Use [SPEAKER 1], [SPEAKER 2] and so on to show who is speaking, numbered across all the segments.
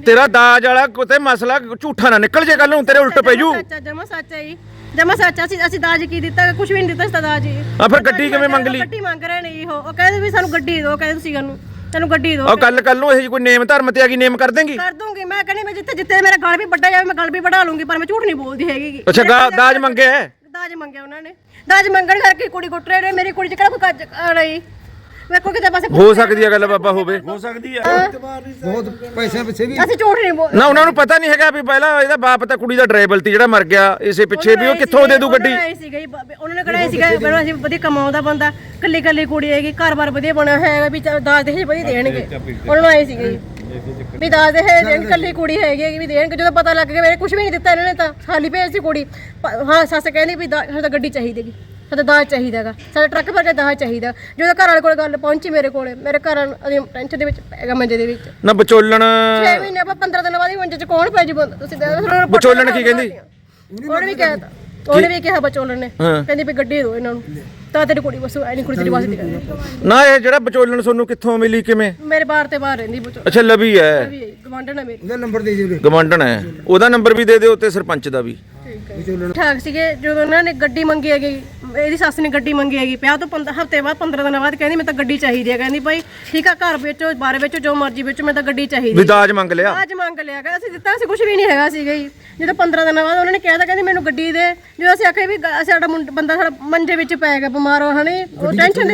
[SPEAKER 1] ਤੇਰਾ ਦਾਜ ਵਾਲਾ ਕਿਤੇ ਮਸਲਾ ਝੂਠਾ ਨਾ ਨਿਕਲ ਜੇ ਕੱਲ ਨੂੰ ਤੇਰੇ ਉਲਟ ਪੈ ਜੂ।
[SPEAKER 2] ਜਮਾ ਸੱਚ ਹੈ ਜੀ, ਜਮਾ ਸੱਚ। ਅਸੀਂ ਦਾਜ ਕੀ ਦਿੱਤਾ? ਕੁਝ ਵੀ ਨਹੀਂ ਦਿੱਤਾ ਇਸ ਦਾਜ ਜੀ।
[SPEAKER 1] ਆ ਫਿਰ ਗੱਡੀ ਕਿਵੇਂ ਮੰਗ ਲਈ?
[SPEAKER 2] ਗੱਡੀ ਮੰਗ ਰਹੇ ਨੇ ਜੀ ਉਹ ਕਹਿੰਦੇ ਵੀ ਸਾਨੂੰ ਗੱਡੀ ਦਿਓ, ਕਹਿੰਦੇ ਤੁਸੀਂ ਸਾਨੂੰ ਗੱਡੀ ਦਿਓ।
[SPEAKER 1] ਆ ਕੱਲ ਨੂੰ ਇਹ ਕੋਈ ਨੇਮ ਧਰਮ ਤੇ ਆ ਗਈ ਨੇਮ ਕਰ ਦੇਂਗੀ?
[SPEAKER 2] ਕਰ ਦੂੰਗੀ ਮੈਂ, ਕਹਿੰਦੀ ਮੈਂ ਜਿੱਥੇ ਮੇਰਾ ਗਲ ਵੀ ਵੱਡਾ ਜਾਵੇ ਮੈਂ ਗਲ ਵੀ ਵੜਾ ਲੂੰਗੀ, ਪਰ ਮੈਂ ਝੂਠ ਨਹੀਂ ਬੋਲਦੀ ਹੈਗੀ।
[SPEAKER 1] ਅੱਛਾ ਦਾਜ ਮੰਗਿਆ?
[SPEAKER 2] ਦਾਜ ਮੰਗਿਆ ਉਹਨਾਂ ਨੇ। ਦਾਜ ਮੰਗਣ ਕਰਕੇ ਕੁੜੀ ਕੁੱਟ ਰਹੇ ਨੇ। ਮੇਰੀ ਕੁੜੀ ਚ ਕਿਹੜਾ ਕੋਈ ਕੱਜ ਰਹੀ? ਮੇਰੇ ਕੋਲ ਕਿਤੇ ਪਾਸੇ
[SPEAKER 1] ਹੋ ਸਕਦੀ ਹੈ ਗੱਲ ਬਾਬਾ ਹੋਵੇ,
[SPEAKER 3] ਹੋ ਸਕਦੀ ਹੈ।
[SPEAKER 4] ਬਹੁਤ ਪੈਸੇ ਪਿੱਛੇ ਵੀ
[SPEAKER 2] ਅਸੀਂ ਝੂਠ ਨਹੀਂ ਬੋਲ
[SPEAKER 1] ਨਾ। ਉਹਨਾਂ ਨੂੰ ਪਤਾ ਨਹੀਂ ਹੈਗਾ ਵੀ ਪਹਿਲਾਂ ਇਹਦਾ ਬਾਪ ਤਾਂ ਕੁੜੀ ਦਾ ਡਰਾਈਵਰ ਸੀ ਜਿਹੜਾ ਮਰ ਗਿਆ, ਇਸੇ ਪਿੱਛੇ ਵੀ ਉਹ ਕਿੱਥੋਂ ਦੇ ਦੂ ਗੱਡੀ?
[SPEAKER 2] ਉਹਨਾਂ ਨੇ ਕਿਹਾ ਸੀਗਾ ਅਸੀਂ ਵਧੀਆ ਕਮਾਉਂਦਾ ਬੰਦਾ, ਕੱਲੀ ਕੱਲੀ ਕੁੜੀ ਹੈਗੀ, ਘਰ-ਬਾਰ ਵਧੀਆ ਬਣਿਆ ਹੋਇਆ ਹੈਗਾ, ਵੀ ਦਾਜ ਦੇ ਵਧੀਆ ਦੇਣਗੇ। ਉਹਨਾਂ ਨੂੰ ਆਏ ਸੀਗੇ ਵੀ ਦਾਜ ਦੇ ਦੇਣ, ਕੱਲੀ ਕੁੜੀ ਹੈਗੀ ਵੀ ਦੇਣਗੇ। ਜਦੋਂ ਪਤਾ ਲੱਗ ਗਿਆ ਮੇਰੇ ਕੁਝ ਵੀ ਨਹੀਂ ਦਿੱਤਾ ਇਹਨਾਂ ਨੇ, ਤਾਂ ਖਾਲੀ ਭੇਜ ਸੀ ਕੁੜੀ। ਹਾਂ ਸੱਸ ਕਹਿੰਦੀ ਵੀ ਸਾਡਾ ਗੱਡੀ ਚਾਹੀਦੀ ਹੈਗੀ, ਸਾਡਾ ਦਾਜ ਚਾਹੀਦਾ ਹੈਗਾ, ਸਾਡਾ ਟਰੱਕ ਭਰ ਕੇ ਦਾਜ ਚਾਹੀਦਾ। ਜਦੋਂ ਘਰ ਵਾਲੇ ਕੋਲ ਗੱਲ ਪਹੁੰਚੀ ਮੇਰੇ ਕੋਲੇ, ਮੇਰੇ ਘਰ ਟੈਨਸ਼ਨ ਦੇ ਵਿੱਚ ਪੈ ਗਿਆ, ਮੰਜੇ ਦੇ ਵਿੱਚ
[SPEAKER 1] ਨਾ। ਵਿਚੋਲਣ
[SPEAKER 2] 6 ਮਹੀਨੇ ਆਪਾਂ 15 ਦਿਨ ਬਾਅਦ ਹੀ ਮੰਜੇ 'ਚ ਕੌਣ ਪੈ ਜੂ? ਤੁਸੀਂ
[SPEAKER 1] ਵਿਚੋਲਣ ਕੀ ਕਹਿੰਦੀ?
[SPEAKER 2] ਉਹਨੇ ਵੀ ਕਹਿਤਾ, ਉਹਨੇ ਵੀ ਕਿਹਾ ਵਿਚੋਲਣ ਨੇ, ਕਹਿੰਦੀ ਵੀ ਗੱਡੀ ਦਿਓ ਇਹਨਾਂ ਨੂੰ, ਤਾਂ ਤੇਰੀ ਕੁੜੀ ਬਸ ਐਨੀ ਕੁੜੀ ਤੇਰੀ ਵਾਸਤੇ ਦੀ ਕਹਿੰਦੀ
[SPEAKER 1] ਨਾ। ਇਹ ਜਿਹੜਾ ਵਿਚੋਲਣ ਤੁਹਾਨੂੰ ਕਿੱਥੋਂ ਮਿਲੀ, ਕਿਵੇਂ?
[SPEAKER 2] ਮੇਰੇ ਬਾਹਰ ਤੇ ਬਾਹਰ ਰਹਿੰਦੀ ਵਿਚੋਲਣ।
[SPEAKER 1] ਅੱਛਾ ਲਵੀ ਹੈ,
[SPEAKER 2] ਗਵਾਂਢਣ ਹੈ ਮੇਰੀ।
[SPEAKER 4] ਉਹਦਾ ਨੰਬਰ ਦੇ ਦਿਓ।
[SPEAKER 1] ਗਵਾਂਢਣ ਹੈ, ਉਹਦਾ ਨੰਬਰ ਵੀ ਦੇ ਦਿਓ ਤੇ ਸਰਪੰਚ ਦਾ ਵੀ।
[SPEAKER 2] ਠਾਕ ਸੀਗੇ ਜਦੋਂ ਉਹਨਾਂ ਨੇ ਗੱਡੀ ਮੰਗੀ ਹੈਗੀ, ਇਹਦੀ ਸੱਸ ਨੇ ਗੱਡੀ ਮੰਗੀ ਹੈਗੀ, ਪਿਆ ਤੋਂ ਹਫ਼ਤੇ ਬਾਅਦ 15 ਦਿਨਾਂ ਬਾਅਦ ਕਹਿੰਦੀ ਮੈਂ ਤਾਂ ਗੱਡੀ ਚਾਹੀਦੀ ਹੈ। ਕਹਿੰਦੀ ਭਾਈ ਠੀਕ ਆ, ਘਰ ਵੇਚੋ ਬਾਹਰ ਵੇਚੋ ਜੋ ਮਰਜ਼ੀ ਵੇਚੋ, ਮੈਂ ਤਾਂ ਗੱਡੀ ਚਾਹੀਦੀ।
[SPEAKER 1] ਵੀ ਦਾਜ ਮੰਗ ਲਿਆ?
[SPEAKER 2] ਦਾਜ ਮੰਗ ਲਿਆ ਗਾ, ਅਸੀਂ ਦਿੱਤਾ ਸੀ ਕੁਝ ਵੀ ਨਹੀਂ ਹੈਗਾ ਸੀਗਾ ਜੀ। ਜਦੋਂ 15 ਦਿਨਾਂ ਬਾਅਦ ਉਹਨਾਂ ਨੇ ਕਿਹਾ ਤਾਂ ਕਹਿੰਦੀ ਮੈਨੂੰ ਗੱਡੀ ਦੇ। ਜਦੋਂ ਅਸੀਂ ਆਖਿਆ ਵੀ ਸਾਡਾ ਬੰਦਾ ਸਾਡਾ ਮੰਜੇ ਵਿੱਚ ਪੈ ਗਿਆ ਬਿਮਾਰ ਹੋ ਹਣੇ, ਉਹ ਟੈਨਸ਼ਨ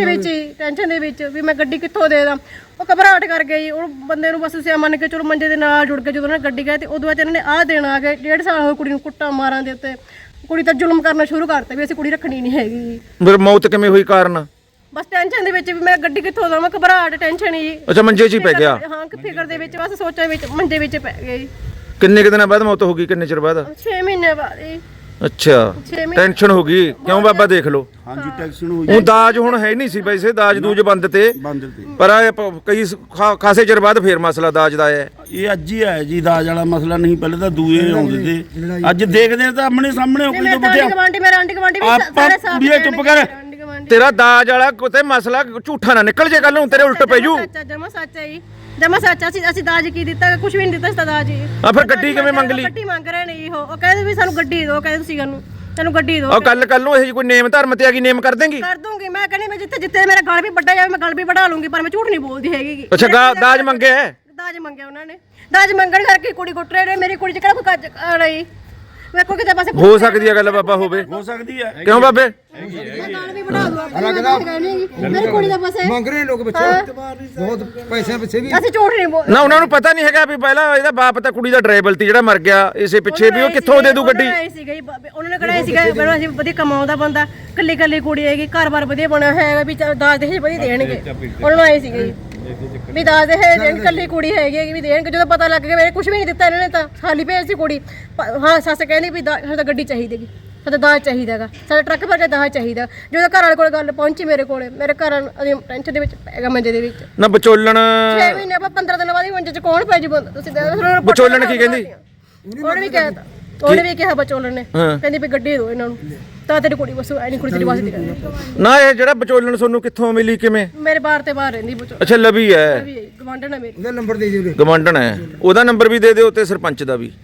[SPEAKER 2] ਦੇ ਵਿੱਚ ਵੀ ਮੈਂ ਗੱਡੀ ਕਿੱਥੋਂ ਦੇ ਦਾਂ। ਉਹ ਘਬਰਾਹਟ ਕਰ ਗਈ, ਉਹ ਬੰਦੇ ਨੂੰ ਬਸ ਸਿਆ ਮੰਨ ਕੇ ਚਲੋ ਮੰਜੇ ਦੇ ਨਾਲ ਜੁੜ ਕੇ ਜਦੋਂ ਉਹਨਾਂ ਨੇ ਗੱਡੀ ਗਏ ਤੇ ਉਦੋਂ ਬਾਅਦ ਇਹਨਾਂ ਨੇ ਆਹ ਦੇਣ ਆ ਗਏ। 1.5 ਸਾਲ ਹੋਏ ਕੁੜੀ ਨੂੰ ਕੁੱਟਾਂ ਮਾਰਾਂ ਦੇ ਉੱਤੇ, ਕੁੜੀ ਤਾਂ ਜ਼ੁਲਮ ਕਰਨਾ ਸ਼ੁਰੂ ਕਰਤਾ ਵੀ ਅਸੀਂ ਕੁੜੀ ਰੱਖਣੀ ਨਹੀਂ ਹੈਗੀ।
[SPEAKER 1] ਫਿਰ ਮੌਤ ਕਿਵੇਂ ਹੋਈ, ਕਾਰਨ?
[SPEAKER 2] ਬਸ ਟੈਨਸ਼ਨ ਦੇ ਵਿੱਚ ਵੀ ਮੈਂ ਗੱਡੀ ਕਿੱਥੋਂ ਦਵਾਂ, ਘਬਰਾਹਟ ਟੈਨਸ਼ਨ ਹੀ।
[SPEAKER 1] ਅੱਛਾ ਮੰਜੇ 'ਚ ਹੀ ਪੈ ਗਿਆ?
[SPEAKER 2] ਹਾਂ ਫਿਕਰ ਦੇ ਵਿੱਚ ਬਸ ਸੋਚਾਂ ਵਿੱਚ ਮੰਜੇ ਵਿੱਚ ਪੈ ਗਈ।
[SPEAKER 1] ਕਿੰਨੇ ਕੁ ਦਿਨਾਂ ਬਾਅਦ ਮੌਤ ਹੋ ਗਈ, ਕਿੰਨੇ ਚਿਰ ਬਾਅਦ?
[SPEAKER 2] 6 ਮਹੀਨੇ ਬਾਅਦ ਜੀ।
[SPEAKER 1] ਅੱਛਾ ਟੈਨਸ਼ਨ ਹੋ ਗਈ, ਕਿਉਂ ਬਾਬਾ ਦੇਖ ਲਓ।
[SPEAKER 3] ਹਾਂਜੀ ਟੈਨਸ਼ਨ ਹੋਈ।
[SPEAKER 1] ਉਹ ਦਾਜ ਹੁਣ ਹੈ ਨਹੀਂ ਸੀ ਵੈਸੇ, ਦਾਜ ਦੂਜ ਬੰਦ ਤੇ, ਪਰ ਕਈ ਖਾਸੇ ਚਿਰ ਬਾਅਦ ਫੇਰ ਮਸਲਾ ਦਾਜ ਦਾ ਆਇਆ।
[SPEAKER 3] ਇਹ ਅੱਜ ਹੀ ਆਇਆ ਜੀ ਦਾਜ ਵਾਲਾ ਮਸਲਾ, ਨਹੀਂ ਪਹਿਲੇ ਤਾਂ ਦੂਏ ਆਉਂਦੇ ਤੇ ਅੱਜ ਦੇਖਦੇ ਆ ਤਾਂ ਆਮਣੇ ਸਾਹਮਣੇ ਹੋ ਕੋਈ ਤਾਂ
[SPEAKER 2] ਮੇਰੇ ਆਂਟੀ ਗਵਾਂਡੀ ਵੀ ਸਾਰੇ ਸਾਫ
[SPEAKER 3] ਵੀ ਚੁੱਪ ਕਰ।
[SPEAKER 1] ਤੇਰਾ ਦਾਜ ਵਾਲਾ ਕਿਤੇ ਮਸਲਾ ਝੂਠਾ ਨਾ ਨਿਕਲ ਜੇ ਕੱਲ ਨੂੰ ਤੇਰੇ ਉਲਟ ਪੈ ਜੂ।
[SPEAKER 2] ਜਮਾ ਸੱਚ ਹੈ ਜੀ, ਜਮਾ ਸੱਚ। ਅਸੀਂ ਦਾਜ ਕੀ ਦਿੱਤਾ? ਕੁਝ ਵੀ ਨਹੀਂ ਦਿੱਤਾ ਇਸ ਦਾਜ ਜੀ।
[SPEAKER 1] ਆ ਫਿਰ ਗੱਡੀ ਕਿਵੇਂ ਮੰਗ ਲਈ?
[SPEAKER 2] ਗੱਡੀ ਮੰਗ ਰਹੇ ਨੇ ਜੀ ਉਹ ਕਹਿੰਦੇ ਵੀ ਸਾਨੂੰ ਗੱਡੀ ਦਿਓ, ਕਹਿੰਦੇ ਤੁਸੀਂ ਸਾਨੂੰ ਗੱਡੀ ਦਿਓ।
[SPEAKER 1] ਆ ਕੱਲ ਨੂੰ ਇਹ ਕੋਈ ਨੇਮ ਧਰਮ ਤੇ ਆ ਗਈ ਨੇਮ ਕਰ ਦੇਂਗੀ?
[SPEAKER 2] ਕਰ ਦੂੰਗੀ ਮੈਂ, ਕਹਿੰਦੀ ਮੈਂ ਜਿੱਥੇ ਮੇਰਾ ਗਲ ਵੀ ਵੱਡਾ ਜਾਵੇ ਮੈਂ ਗਲ ਵੀ ਵੜਾ ਲੂੰਗੀ, ਪਰ ਮੈਂ ਝੂਠ ਨਹੀਂ ਬੋਲਦੀ ਹੈਗੀ।
[SPEAKER 1] ਅੱਛਾ ਦਾਜ ਮੰਗਿਆ?
[SPEAKER 2] ਦਾਜ ਮੰਗਿਆ ਉਹਨਾਂ ਨੇ। ਦਾਜ ਮੰਗਣ ਕਰਕੇ ਕੁੜੀ ਕੁੱਟ ਰਹੇ ਨੇ। ਮੇਰੀ ਕੁੜੀ ਚ ਕਿਹੜਾ ਕੋਈ ਕੱਜ ਰਹੀ? ਮੇਰੇ ਕੋਲ ਕਿਤੇ ਪਾਸੇ
[SPEAKER 1] ਹੋ ਸਕਦੀ ਹੈ ਗੱਲ ਬਾਬਾ ਹੋਵੇ,
[SPEAKER 3] ਹੋ ਸਕਦੀ ਹੈ।
[SPEAKER 1] ਕਿਉਂ ਬਾਬੇ?
[SPEAKER 2] ਮੈਂ ਗਲ ਵੀ ਵੜਾ ਦੂੰਗਾ ਮੇਰੀ ਕੁੜੀ ਦਾ ਪਾਸੇ
[SPEAKER 4] ਮੰਗ ਰਹੇ ਲੋਕ ਪਿੱਛੇ, ਬਹੁਤ ਪੈਸੇ ਪਿੱਛੇ ਵੀ।
[SPEAKER 2] ਅਸੀਂ ਝੂਠ ਨਹੀਂ ਬੋਲ
[SPEAKER 1] ਨਾ। ਉਹਨਾਂ ਨੂੰ ਪਤਾ ਨਹੀਂ ਹੈਗਾ ਵੀ ਪਹਿਲਾਂ ਇਹਦਾ ਬਾਪ ਤਾਂ ਕੁੜੀ ਦਾ ਡਰਾਈਵਰ ਸੀ ਜਿਹੜਾ ਮਰ ਗਿਆ, ਇਸੇ ਪਿੱਛੇ ਵੀ ਉਹ ਕਿੱਥੋਂ ਦੇ ਦੂ ਗੱਡੀ?
[SPEAKER 2] ਉਹਨਾਂ ਨੇ ਕਿਹਾ ਸੀਗਾ ਅਸੀਂ ਵਧੀਆ ਕਮਾਉਂਦਾ ਬੰਦਾ, ਕੱਲੀ ਕੱਲੀ ਕੁੜੀ ਹੈਗੀ, ਘਰ-ਬਾਰ ਵਧੀਆ ਬਣਿਆ ਹੋਇਆ ਹੈਗਾ, ਵੀ ਦਾਜ ਦੇ ਵਧੀਆ ਦੇਣਗੇ। ਉਹਨਾਂ ਨੂੰ ਆਏ ਸੀਗੇ ਵੀ ਦਾਜ ਦੇ ਦੇਣ, ਕੱਲੀ ਕੁੜੀ ਹੈਗੀ ਵੀ ਦੇਣਗੇ। ਜਦੋਂ ਪਤਾ ਲੱਗ ਗਿਆ ਮੇਰੇ ਕੁਝ ਵੀ ਨਹੀਂ ਦਿੱਤਾ ਇਹਨਾਂ ਨੇ, ਤਾਂ ਖਾਲੀ ਭੇਜ ਸੀ ਕੁੜੀ। ਹਾਂ ਸੱਸ ਕਹਿੰਦੀ ਵੀ ਸਾਡਾ ਗੱਡੀ ਚਾਹੀਦੀ ਹੈਗੀ, ਸਾਡਾ ਦਾਜ ਚਾਹੀਦਾ ਹੈਗਾ, ਸਾਡਾ ਟਰੱਕ ਭਰ ਕੇ ਦਾਜ ਚਾਹੀਦਾ। ਜਦੋਂ ਘਰ ਵਾਲੇ ਕੋਲ ਗੱਲ ਪਹੁੰਚੀ ਮੇਰੇ ਕੋਲੇ, ਮੇਰੇ ਘਰ ਟੈਨਸ਼ਨ ਦੇ ਵਿੱਚ ਪੈ ਗਿਆ, ਮੰਜੇ ਦੇ ਵਿੱਚ
[SPEAKER 1] ਨਾ। ਵਿਚੋਲਣ
[SPEAKER 2] 6 ਮਹੀਨੇ ਆਪਾਂ 15 ਦਿਨਾਂ ਬਾਅਦ ਹੀ ਮੰਜੇ 'ਚ ਕੌਣ ਪੈ ਜੂ? ਤੁਸੀਂ
[SPEAKER 1] ਵਿਚੋਲਣ ਕੀ ਕਹਿੰਦੀ?
[SPEAKER 2] ਉਹਨੇ ਵੀ ਕਹਿਤਾ, ਉਹਨੇ ਵੀ ਕਿਹਾ ਵਿਚੋਲਣ ਨੇ, ਕਹਿੰਦੀ ਵੀ ਗੱਡੀ ਦਿਓ ਇਹਨਾਂ ਨੂੰ, ਤਾਂ ਤੇਰੀ ਕੁੜੀ ਬਸ ਐਨੀ ਕੁੜੀ ਤੇਰੀ ਵਾਸਤੇ ਦੀ ਕਹਿੰਦੀ।
[SPEAKER 1] ਨਾ। ਇਹ ਜਿਹੜਾ ਵਿਚੋਲਣ ਤੁਹਾਨੂੰ ਕਿੱਥੋਂ ਮਿਲੀ, ਕਿਵੇਂ?
[SPEAKER 2] ਮੇਰੇ ਬਾਹਰ ਤੇ ਬਾਹਰ ਰਹਿੰਦੀ ਵਿਚੋਲਣ।
[SPEAKER 1] ਅੱਛਾ ਲਵੀ ਹੈ,
[SPEAKER 2] ਗਵਾਂਢਣ ਹੈ ਮੇਰੀ।
[SPEAKER 4] ਉਹਦਾ ਨੰਬਰ ਦੇ ਦਿਓ।
[SPEAKER 1] ਗਵਾਂਢਣ ਹੈ, ਉਹਦਾ ਨੰਬਰ ਵੀ ਦੇ ਦਿਓ ਤੇ ਸਰਪੰਚ ਦਾ ਵੀ।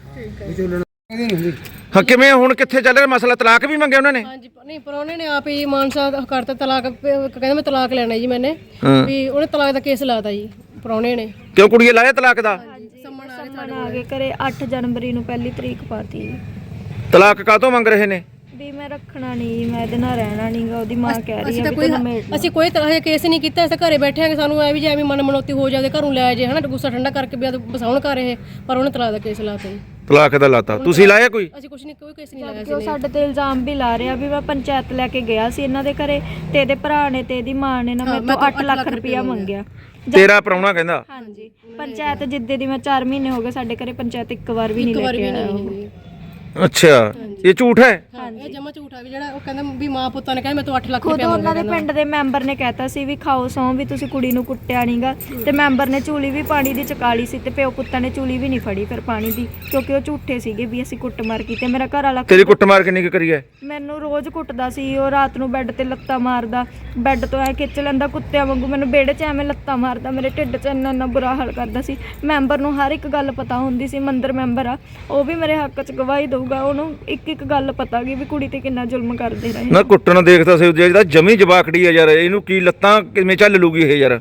[SPEAKER 1] ਹਾਂ ਕਿਵੇਂ ਹੁਣ ਕਿੱਥੇ ਚੱਲ ਰਿਹਾ ਮਸਲਾ? ਤਲਾਕ ਵੀ ਮੰਗਿਆ ਉਹਨਾਂ ਨੇ?
[SPEAKER 2] ਹਾਂਜੀ ਨਹੀਂ, ਪਰ ਉਹਨੇ ਨੇ ਆਪ ਹੀ ਮਾਨਸਾ ਕਰਤਾ ਤਲਾਕ। ਕਹਿੰਦਾ ਮੈਂ ਤਲਾਕ ਲੈਣਾ ਜੀ ਮੈਨੇ, ਵੀ ਉਹਨੇ ਤਲਾਕ ਦਾ ਕੇਸ ਲਾਤਾ ਜੀ ਪ੍ਰਾਹੁਣੇ ਨੇ।
[SPEAKER 1] ਕਿਉਂ ਕੁੜੀਏ ਲਾਇਆ ਤਲਾਕ ਦਾ?
[SPEAKER 5] ਸੰਮਣ ਆ ਗਏ ਘਰੇ 8 ਜਨਵਰੀ ਨੂੰ ਪਹਿਲੀ ਤਰੀਕ ਪਾਤੀ।
[SPEAKER 1] ਤਲਾਕ ਕਾਹਤੋਂ ਮੰਗ ਰਹੇ ਨੇ?
[SPEAKER 5] ਵੀ ਮੈਂ ਰੱਖਣਾ ਨਹੀਂ, ਮੈਂ ਇਹਦੇ ਨਾਲ ਰਹਿਣਾ ਨਹੀਂਗਾ। ਉਹਦੀ ਮਾਂ ਕਹਿ ਰਹੀ ਹੈ ਵੀ
[SPEAKER 2] ਅਸੀਂ ਕੋਈ ਤਰ੍ਹਾਂ ਦਾ ਕੇਸ ਨਹੀਂ ਕੀਤਾ, ਅਸੀਂ ਘਰੇ ਬੈਠੇ ਆਂਗੇ। ਸਾਨੂੰ ਐ ਵੀ ਜੇ ਐਵੇਂ ਮਨ ਮਨੋਤੀ ਹੋ ਜਾਵੇ ਘਰੋਂ ਲੈ ਜੇ ਹਨਾ, ਗੁੱਸਾ ਠੰਡਾ ਕਰਕੇ ਵੀ ਬਸਾਉਣ ਕਰ ਰਹੇ, ਪਰ ਉਹਨੇ ਤਲਾਕ ਦਾ ਕੇਸ ਲਾਤਾ ਜੀ।
[SPEAKER 1] ਤਲਾਕ ਦਾ ਲਾਤਾ? ਤੁਸੀਂ ਲਾਇਆ ਕੋਈ?
[SPEAKER 2] ਅਸੀਂ ਕੁਝ ਨਹੀਂ, ਕੋਈ ਕੇਸ ਨਹੀਂ ਲਾਇਆ
[SPEAKER 5] ਕਿ ਉਹ ਸਾਡੇ ਤੇ ਇਲਜ਼ਾਮ ਵੀ ਲਾ ਰਿਹਾ ਵੀ ਮੈਂ ਪੰਚਾਇਤ ਲੈ ਕੇ ਗਿਆ ਸੀ ਇਹਨਾਂ ਦੇ ਘਰੇ, ਤੇ ਇਹਦੇ ਭਰਾ ਨੇ ਤੇ ਇਹਦੀ ਮਾਂ ਨੇ ਨਾ ਮੇਰੇ ਤੋਂ 8 ਲੱਖ ਰੁਪਇਆ ਮੰਗਿਆ।
[SPEAKER 1] ਤੇਰਾ ਪ੍ਰਾਹੁਣਾ ਕਹਿੰਦਾ?
[SPEAKER 5] ਹਾਂਜੀ। ਪੰਚਾਇਤ ਜਿੱਦੇ ਦੀ ਮੈਂ 4 ਮਹੀਨੇ ਹੋ ਗਏ ਸਾਡੇ ਘਰੇ ਪੰਚਾਇਤ ਇੱਕ ਵਾਰ ਵੀ ਨਹੀਂ ਲੈ ਕੇ ਆਇਆ।
[SPEAKER 1] ਅੱਛਾ ਇਹ ਝੂਠ ਹੈ?
[SPEAKER 2] ਇਹ ਜਮਾ ਝੂਠ ਝੂਠਾ ਵੀ ਜਿਹੜਾ ਉਹ ਕਹਿੰਦਾ ਵੀ ਮਾਂ ਪੁੱਤਾਂ ਨੇ ਕਹਿੰਦਾ ਮੈਂ ਤੋਂ 8 ਲੱਖ
[SPEAKER 5] ਖੁਦ
[SPEAKER 2] ਰੁਪਏ
[SPEAKER 5] ਉਹਨਾਂ ਦੇ ਪਿੰਡ ਦੇ ਮੈਂਬਰ ਨੇ ਕਹਿਤਾ ਸੀ ਵੀ ਖਾਓ ਸੌਂ ਵੀ ਤੁਸੀਂ ਕੁੜੀ ਨੂੰ ਕੁੱਟਿਆ ਨਹੀਂਗਾ ਤੇ ਮੈਂਬਰ ਨੇ ਚੂਲੀ ਵੀ ਪਾਣੀ ਦੀ ਚਕਾਲੀ ਸੀ ਤੇ ਪਿਓ ਪੁੱਤਾਂ ਨੇ ਚੂਲੀ ਵੀ ਨਹੀਂ ਫੜੀ ਫਿਰ ਪਾਣੀ ਦੀ ਕਿਉਂਕਿ ਉਹ ਝੂਠੇ ਸੀਗੇ ਵੀ ਅਸੀਂ ਕੁੱਟਮਾਰ ਕੀਤੀ। ਮੇਰਾ ਘਰ ਵਾਲਾ
[SPEAKER 1] ਤੇਰੀ ਕੁੱਟਮਾਰ ਕਿੰਨੀ ਕੁ ਕਰੀ ਹੈ?
[SPEAKER 5] ਮੈਨੂੰ ਰੋਜ਼ ਕੁੱਟਦਾ ਸੀ। ਉਹ ਰਾਤ ਨੂੰ ਬੈੱਡ ਤੇ ਲੱਤਾਂ ਮਾਰਦਾ, ਬੈੱਡ ਤੋਂ ਐ ਖਿੱਚ ਲੈਂਦਾ ਕੁੱਤਿਆਂ ਵਾਂਗੂ, ਮੈਨੂੰ ਵਿਹੜੇ 'ਚ ਐਵੇਂ ਲੱਤਾਂ ਮਾਰਦਾ, ਮੇਰੇ ਢਿੱਡ 'ਚ ਇੰਨਾ ਬੁਰਾ ਹਾਲ ਕਰਦਾ ਸੀ। ਮੈਂਬਰ ਨੂੰ ਹਰ ਇੱਕ ਗੱਲ ਪਤਾ ਹੁੰਦੀ ਸੀ, ਮੰਦਰ ਮੈਂਬਰ ਆ, ਉਹ ਵੀ ਮੇਰੇ ਹੱਕ 'ਚ ਗਵਾਹੀ ਦਊਗਾ। ਉਹਨੂੰ ਇੱਕ ਇੱਕ ਗੱਲ ਪਤਾ ਗੀ ਵੀ ਕੁੜੀ ਤੇ ਕਿੰਨਾ ਜ਼ੁਲਮ ਕਰਦੇ ਰਹੇ।
[SPEAKER 1] ਨਾ ਕੁੱਟਣ ਦੇਖਦਾ ਸੀ ਜਿਹੜਾ ਜਮੀ ਜਵਾਕੜੀ ਆ ਯਾਰ, ਇਹਨੂੰ ਕੀ ਲੱਤਾਂ ਕਿਵੇਂ ਚੱਲ ਲੂਗੀ ਇਹ ਯਾਰ?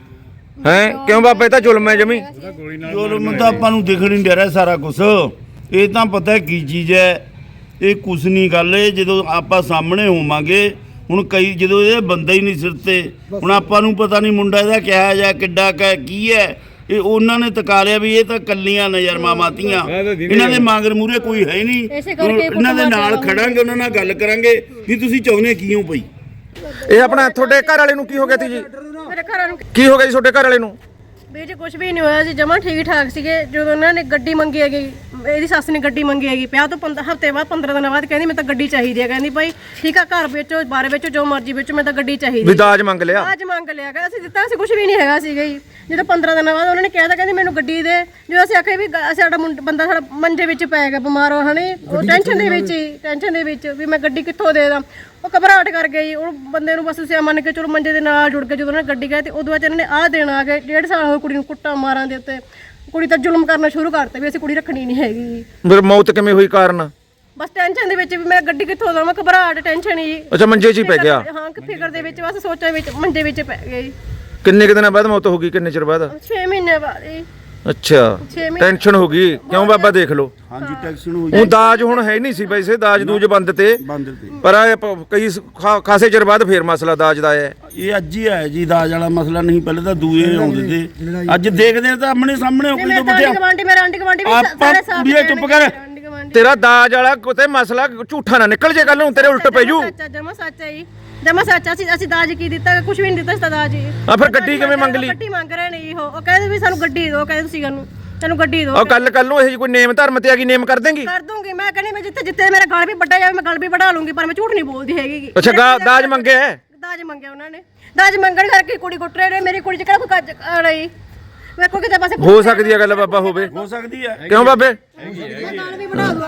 [SPEAKER 1] ਹੈ ਕਿਉਂ ਬਾਬਾ, ਇਹ ਤਾਂ ਜ਼ੁਲਮ ਹੈ ਜਮੀ।
[SPEAKER 3] ਜ਼ੁਲਮ ਤਾਂ ਆਪਾਂ ਨੂੰ ਦਿਖ ਨਹੀਂ ਦੇ ਰਿਹਾ ਸਾਰਾ ਕੁਝ, ਇਹ ਤਾਂ ਪਤਾ ਕੀ ਚੀਜ਼ ਹੈ, ਇਹ ਕੁਛ ਨਹੀਂ ਗੱਲ। ਇਹ ਜਦੋਂ ਆਪਾਂ ਸਾਹਮਣੇ ਹੋਵਾਂਗੇ, ਹੁਣ ਕਈ ਜਦੋਂ ਇਹ ਬੰਦਾ ਹੀ ਨਹੀਂ ਸਿਰ ਤੇ, ਹੁਣ ਆਪਾਂ ਨੂੰ ਪਤਾ ਨਹੀਂ ਮੁੰਡਾ ਇਹਦਾ ਕਿਹਾ ਜਾਂ ਕਿੱਡਾ ਕੀ ਹੈ, ਇਹ ਉਹਨਾਂ ਨੇ ਤਕਾ ਲਿਆ ਵੀ ਇਹ ਤਾਂ ਕੱਲੀਆਂ ਨਜ਼ਰ ਮਾਵਾਤੀਆਂ, ਇਹਨਾਂ ਦੇ ਮਾਂਗਰ ਮੂਰੇ ਕੋਈ ਹੈ ਨਹੀਂ। ਇਹਨਾਂ ਦੇ ਨਾਲ ਖੜਾਂਗੇ, ਉਹਨਾਂ ਨਾਲ ਗੱਲ ਕਰਾਂਗੇ ਵੀ ਤੁਸੀਂ ਚਾਹੁੰਦੇ ਕੀ ਹੋ ਪਈ।
[SPEAKER 1] ਇਹ ਆਪਣਾ ਤੁਹਾਡੇ ਘਰ ਵਾਲੇ ਨੂੰ ਕੀ ਹੋ ਗਿਆ ਸੀ ਜੀ?
[SPEAKER 2] ਮੇਰੇ ਘਰ ਵਾਲੇ ਨੂੰ
[SPEAKER 1] ਕੀ ਹੋ ਗਿਆ ਜੀ ਤੁਹਾਡੇ ਘਰ ਵਾਲੇ ਨੂੰ?
[SPEAKER 2] ਵੀਰ ਜੀ ਕੁਝ ਵੀ ਨਹੀਂ ਹੋਇਆ ਸੀ, ਜਮਾਂ ਠੀਕ ਠਾਕ ਸੀਗੇ। ਜਦੋਂ ਉਹਨਾਂ ਨੇ ਗੱਡੀ ਮੰਗੀ ਹੈਗੀ, ਇਹਦੀ ਸੱਸ ਨੇ ਗੱਡੀ ਮੰਗੀ ਹੈਗੀ, ਵਿਆਹ ਤੋਂ ਹਫ਼ਤੇ ਬਾਅਦ 15 ਦਿਨਾਂ ਬਾਅਦ ਕਹਿੰਦੀ ਮੈਂ ਤਾਂ ਗੱਡੀ ਚਾਹੀਦੀ ਹੈ। ਕਹਿੰਦੀ ਭਾਈ ਠੀਕ ਆ, ਘਰ ਵੇਚੋ ਬਾਹਰ ਵੇਚੋ ਜੋ ਮਰਜ਼ੀ ਵੇਚੋ, ਮੈਂ ਤਾਂ ਗੱਡੀ ਚਾਹੀਦੀ।
[SPEAKER 1] ਵੀ ਦਾਜ ਮੰਗ ਲਿਆ?
[SPEAKER 2] ਦਾਜ ਮੰਗ ਲਿਆ, ਕਹਿੰਦਾ ਅਸੀਂ ਦਿੱਤਾ ਸੀ ਕੁਝ ਵੀ ਨਹੀਂ ਹੈਗਾ ਸੀਗਾ ਜੀ। ਜਦੋਂ 15 ਦਿਨਾਂ ਬਾਅਦ ਉਹਨਾਂ ਨੇ ਕਿਹਾ ਤਾਂ ਕਹਿੰਦੀ ਮੈਨੂੰ ਗੱਡੀ ਦੇ। ਜਦੋਂ ਅਸੀਂ ਆਖਿਆ ਵੀ ਸਾਡਾ ਬੰਦਾ ਸਾਡਾ ਮੰਜੇ ਵਿੱਚ ਪੈ ਗਿਆ ਬਿਮਾਰ ਹੋ ਹਣੇ, ਉਹ ਟੈਨਸ਼ਨ ਦੇ ਵਿੱਚ ਵੀ ਮੈਂ ਗੱਡੀ ਕਿੱਥੋਂ ਦੇ ਦਾਂ। ਉਹ ਘਬਰਾਹਟ ਕਰ ਗਈ, ਉਹ ਬੰਦੇ ਨੂੰ ਬਸ ਸਿਆ ਮੰਨ ਕੇ ਚਲੋ ਮੰਜੇ ਦੇ ਨਾਲ ਜੁੜ ਕੇ ਜਦੋਂ ਉਹਨਾਂ ਨੇ ਗੱਡੀ ਗਏ ਤੇ ਉਦੋਂ ਬਾਅਦ ਇਹਨਾਂ ਨੇ ਆਹ ਦੇਣ ਆ ਗਏ। 1.5 ਸਾਲ ਹੋ ਕੁੜੀ ਨੂੰ ਕੁੱਟਾਂ ਮਾਰਾਂ ਦੇ ਉੱਤੇ, ਕੁੜੀ ਤਾਂ ਜ਼ੁਲਮ ਕਰਨਾ ਸ਼ੁਰੂ ਕਰਤੇ ਵੀ ਅਸੀਂ ਕੁੜੀ ਰੱਖਣੀ ਨਹੀਂ ਹੈਗੀ।
[SPEAKER 1] ਫਿਰ ਮੌਤ ਕਿਵੇਂ ਹੋਈ, ਕਾਰਨ?
[SPEAKER 2] ਬਸ ਟੈਨਸ਼ਨ ਦੇ ਵਿੱਚ ਵੀ ਮੈਂ ਗੱਡੀ ਕਿੱਥੋਂ ਦਵਾਂ, ਘਬਰਾਹਟ ਟੈਨਸ਼ਨ ਹੀ।
[SPEAKER 1] ਅੱਛਾ ਮੰਜੇ 'ਚ ਹੀ ਪੈ ਗਿਆ?
[SPEAKER 2] ਹਾਂ ਫਿਕਰ ਦੇ ਵਿੱਚ ਬਸ ਸੋਚਾਂ ਵਿੱਚ ਮੰਜੇ ਵਿੱਚ ਪੈ ਗਈ।
[SPEAKER 1] ਕਿੰਨੇ ਕੁ ਦਿਨਾਂ ਬਾਅਦ ਮੌਤ ਹੋ ਗਈ, ਕਿੰਨੇ ਚਿਰ ਬਾਅਦ?
[SPEAKER 2] 6 ਮਹੀਨੇ ਬਾਅਦ ਜੀ।
[SPEAKER 1] ਅੱਛਾ ਟੈਨਸ਼ਨ ਹੋ ਗਈ, ਕਿਉਂ ਬਾਬਾ ਦੇਖ ਲਓ।
[SPEAKER 3] ਹਾਂਜੀ ਟੈਕਸ਼ਨ ਹੋ
[SPEAKER 1] ਉਹ ਦਾਜ ਹੁਣ ਹੈ ਨਹੀਂ ਸੀ ਵੈਸੇ, ਦਾਜ ਦੂਜ ਬੰਦ ਤੇ,
[SPEAKER 3] ਬੰਦ ਤੇ,
[SPEAKER 1] ਪਰ ਕਈ ਖਾਸੇ ਚਿਰ ਬਾਅਦ ਫੇਰ ਮਸਲਾ ਦਾਜ ਦਾ ਆਇਆ।
[SPEAKER 3] ਇਹ ਅੱਜ ਹੀ ਆਇਆ ਜੀ ਦਾਜ ਵਾਲਾ ਮਸਲਾ, ਨਹੀਂ ਪਹਿਲੇ ਤਾਂ ਦੂਏ ਆਉਂਦੇ ਤੇ, ਅੱਜ ਦੇਖਦੇ ਤਾਂ ਆਮਣੇ ਸਾਹਮਣੇ ਹੋ ਕੇ
[SPEAKER 2] ਮੇਰੇ ਆਂਟੀ ਗਵਾਂਡੀ ਵੀ
[SPEAKER 3] ਆਪਾਂ ਕੁੜੀਏ ਚੁੱਪ ਕਰ।
[SPEAKER 1] ਤੇਰਾ ਦਾਜ ਵਾਲਾ ਕਿਤੇ ਮਸਲਾ ਝੂਠਾ ਨਾ ਨਿਕਲ ਜੇ, ਕੱਲ ਨੂੰ ਤੇਰੇ ਉਲਟ ਪੈ ਜੂ।
[SPEAKER 2] ਜਮਾ ਸੱਚ ਹੈ ਜੀ, ਜਮਾ ਸੱਚ। ਅਸੀਂ ਦਾਜ ਕੀ ਦਿੱਤਾ? ਕੁਝ ਵੀ ਨਹੀਂ ਦਿੱਤਾ ਸੀ ਦਾਜ ਜੀ।
[SPEAKER 1] ਆ ਫਿਰ ਗੱਡੀ ਕਿਵੇਂ ਮੰਗ ਲਈ?
[SPEAKER 2] ਗੱਡੀ ਮੰਗ ਰਹੇ ਨੇ ਜੀ, ਉਹ ਕਹਿੰਦੇ ਵੀ ਸਾਨੂੰ ਗੱਡੀ ਦਿਓ, ਕਹਿੰਦੇ ਤੁਸੀਂ ਸਾਨੂੰ ਗੱਡੀ ਦਿਓ।
[SPEAKER 1] ਉਹ ਕੱਲ ਨੂੰ ਇਹ ਕੋਈ ਨੇਮ ਧਰਮ ਤੇ ਆ ਗਈ, ਨੇਮ ਕਰ ਦੇਂਗੀ?
[SPEAKER 2] ਕਰ ਦੂੰਗੀ ਮੈਂ, ਕਹਿੰਦੀ ਮੈਂ ਜਿੱਥੇ ਮੇਰਾ ਗਲ ਵੀ ਵੱਡਾ ਜਾਵੇ ਮੈਂ ਗਲ ਵੀ ਵਢਾ ਲੂੰਗੀ, ਪਰ ਮੈਂ ਝੂਠ ਨਹੀਂ ਬੋਲਦੀ ਹੈਗੀ।
[SPEAKER 1] ਅੱਛਾ ਦਾਜ ਮੰਗਿਆ ਹੈ?
[SPEAKER 2] ਦਾਜ ਮੰਗਿਆ ਉਹਨਾਂ ਨੇ, ਦਾਜ ਮੰਗਣ ਕਰਕੇ ਕੁੜੀ ਕੁੱਟ ਰਹੇ ਨੇ। ਮੇਰੀ ਕੁੜੀ 'ਚ ਕਿਹੜਾ ਕੋਈ ਕੱਜ ਆ ਰਹੀ? ਮੇਰੇ ਕੋਲ ਕਿਤੇ ਪਾਸੇ
[SPEAKER 1] ਹੋ ਸਕਦੀ ਹੈ ਗੱਲ ਬਾਬਾ, ਹੋਵੇ
[SPEAKER 3] ਹੋ ਸਕਦੀ ਹੈ।
[SPEAKER 1] ਕਿਉਂ ਬਾਬੇ?
[SPEAKER 2] ਗਲ ਵੀ ਵਢਾ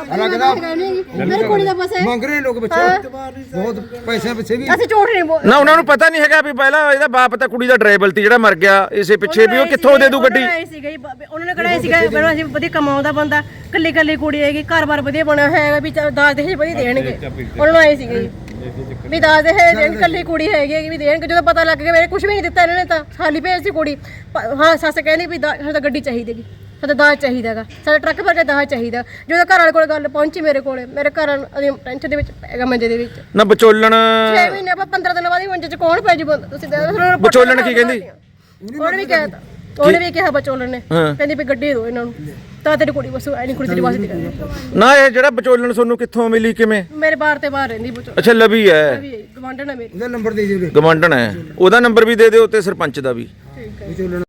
[SPEAKER 2] ਦੂੰ ਮੇਰੀ ਕੁੜੀ ਦਾ ਪਾਸੇ
[SPEAKER 4] ਮੰਗ ਰਹੇ ਲੋਕ ਬੱਚੇ, ਬਹੁਤ ਪੈਸੇ ਪਿੱਛੇ ਵੀ।
[SPEAKER 2] ਅਸੀਂ ਝੂਠ ਨਹੀਂ ਬੋਲ।
[SPEAKER 1] ਨਾ ਉਹਨਾਂ ਨੂੰ ਪਤਾ ਨਹੀਂ ਹੈਗਾ ਵੀ ਪਹਿਲਾਂ ਇਹਦਾ ਬਾਪ ਤਾਂ ਕੁੜੀ ਦਾ ਡਰਾਈਵਰ ਸੀ ਜਿਹੜਾ ਮਰ ਗਿਆ, ਇਸੇ ਪਿੱਛੇ ਵੀ ਉਹ ਕਿੱਥੋਂ ਦੇ ਦੂ ਗੱਡੀ?
[SPEAKER 2] ਉਹਨਾਂ ਨੇ ਕਿਹਾ ਸੀਗਾ ਮੈਨੂੰ ਅਸੀਂ ਵਧੀਆ ਕਮਾਉਂਦਾ ਬੰਦਾ, ਕੱਲੀ ਕੁੜੀ ਹੈਗੀ, ਘਰ-ਬਾਰ ਵਧੀਆ ਬਣਿਆ ਹੋਇਆ ਹੈਗਾ, ਵੀ ਦਾਜ ਦੇ ਵਧੀਆ ਦੇਣਗੇ। ਉਹਨਾਂ ਨੂੰ ਆਏ ਸੀਗੇ ਜੀ ਵੀ ਦਾਜ ਦੇ ਦੇਣ, ਕੱਲੀ ਕੁੜੀ ਹੈਗੀ ਵੀ ਦੇਣਗੇ। ਜਦੋਂ ਪਤਾ ਲੱਗ ਗਿਆ ਮੇਰੇ ਕੁਝ ਵੀ ਨਹੀਂ ਦਿੱਤਾ ਇਹਨਾਂ ਨੇ, ਤਾਂ ਖਾਲੀ ਭੇਜ ਸੀ ਕੁੜੀ। ਹਾਂ ਸੱਸ ਕਹਿੰਦੀ ਵੀ ਸਾਨੂੰ ਤਾਂ ਗੱਡੀ ਚਾਹੀਦੀ ਹੈਗੀ, ਸਾਡਾ ਦਾਜ ਚਾਹੀਦਾ ਹੈਗਾ, ਸਾਡਾ ਟਰੱਕ ਭਰ ਕੇ ਦਾਜ ਚਾਹੀਦਾ। ਜਦੋਂ ਘਰ ਵਾਲੇ ਕੋਲ ਗੱਲ ਪਹੁੰਚੀ ਮੇਰੇ ਕੋਲੇ, ਮੇਰੇ ਘਰ ਵਾਲੇ ਟੈਨਸ਼ਨ ਦੇ ਵਿੱਚ ਪੈ ਗਿਆ ਮੰਜੇ ਦੇ ਵਿੱਚ।
[SPEAKER 1] ਨਾ ਵਿਚੋਲਣ
[SPEAKER 2] 6 ਮਹੀਨੇ ਆਪਾਂ 15 ਦਿਨਾਂ ਬਾਅਦ ਹੀ ਮੰਜੇ 'ਚ ਕੌਣ ਪੈ ਜੂ ਬੰਦਾ? ਤੁਸੀਂ
[SPEAKER 1] ਵਿਚੋਲਣ ਕੀ ਕਹਿੰਦੀ?
[SPEAKER 2] ਉਹਨੇ ਵੀ ਕਹਿਤਾ, ਉਹਨੇ ਵੀ ਕਿਹਾ ਵਿਚੋਲਣ ਨੇ, ਕਹਿੰਦੀ ਵੀ ਗੱਡੀ ਦਿਓ ਇਹਨਾਂ ਨੂੰ, ਤਾਂ ਤੇਰੀ ਕੁੜੀ ਬਸ ਐ ਨਹੀਂ ਕੁੜੀ ਤੇਰੀ ਵਾਸਤੇ ਕਹਿੰਦੀ।
[SPEAKER 1] ਨਾ ਇਹ ਜਿਹੜਾ ਵਿਚੋਲਣ ਤੁਹਾਨੂੰ ਕਿੱਥੋਂ ਮਿਲੀ, ਕਿਵੇਂ?
[SPEAKER 2] ਮੇਰੇ ਬਾਹਰ ਤੇ ਬਾਹਰ ਰਹਿੰਦੀ ਵਿਚੋਲਣ।
[SPEAKER 1] ਅੱਛਾ ਲਵੀ ਹੈ,
[SPEAKER 2] ਗਵਾਂਢਣ ਹੈ ਮੇਰੀ।
[SPEAKER 4] ਉਹਦਾ ਨੰਬਰ ਦੇ ਦਿਓ।
[SPEAKER 1] ਗਵਾਂਢਣ ਹੈ, ਉਹਦਾ ਨੰਬਰ ਵੀ ਦੇ ਦਿਓ ਤੇ ਸਰਪੰਚ ਦਾ ਵੀ।
[SPEAKER 2] ਠੀਕ ਹੈ।